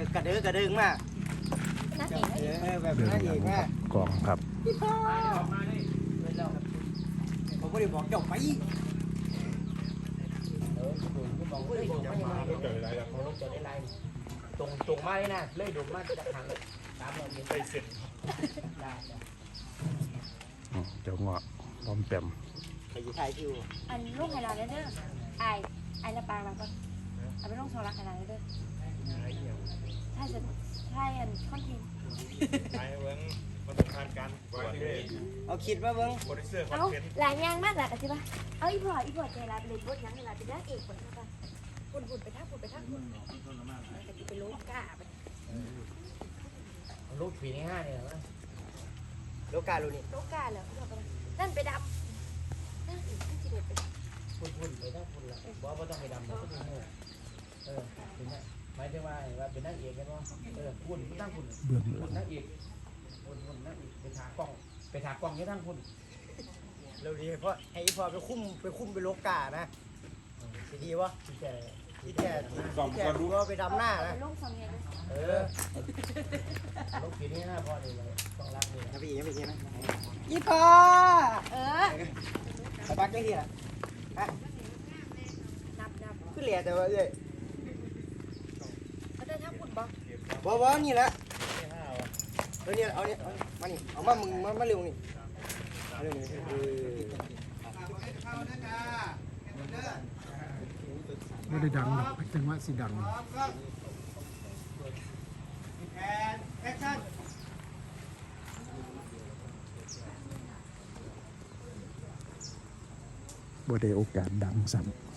กระดึงมากแบบนั่นเองมากกองครับผมก็เลยบอกเจ้าไป ตรงมาเลยนะเลยดูมาจากทางเลยตามเราไปเสร็จได้เจ้าเงาะพร้อมแปมไปอยู่ไทยคิวอันลูกไฮไลท์เด้อไอละปางมาก่อนเอาไปลงโซลักไฮไลท์เด้อใช่อันคอนเทนต์ไปเบิ้งมาตรฐานการบริเวณเอาคิดว่าเบิ้งโปรดิวเซอร์คอนเอาเทนต์หลายอย่างมากหลายกันใช่ปะเอาอีพอใจร้ายไปเลยบดยังไงล่ะเป็นนักเอกคนนั้นป่ะหุ่นไปทักไปโลกาไปลูกปีนี้5เนี่ยโลกาลูนี่โลกาเหรอนั่นไปดำนั่นอีกที่จีเด็ดไปพุ่นไปทั้งพุ่นละว่าต้องไปดำนะต้องมีเป็นไงหมายถึงว่าเป็นนักเอกกันว่าพุ่นตั้งพุ่นเบื้องหพุ่ลันงนักเอกพุ่นนักเอกไปถากล้องนี่ทั้งพุ่นเราดีเพราะไอ้พอไปคุ้มไปโลกานะดีวะที่แกรู้ว่าไปดำหน้านะลงสองเงี้ยลูกปีนี้5พ่อเลยต้องรักเลยนะพี่ยังไม่ใช่นะอีพอไปบักได้ที่ละฮะนับขึ้นเหลี่ยแต่ว่าเอ้ยเขาได้ทักหุ่นบ่บ่นี่แหละนี่เอาเนี่ยมานี่เอามามึงมาเร็วนี่เร็วนี่ไม่ได้ดังหรอกจังหวะสิดังแอคชั่นบ่ได้โอกาสดังซ้ำ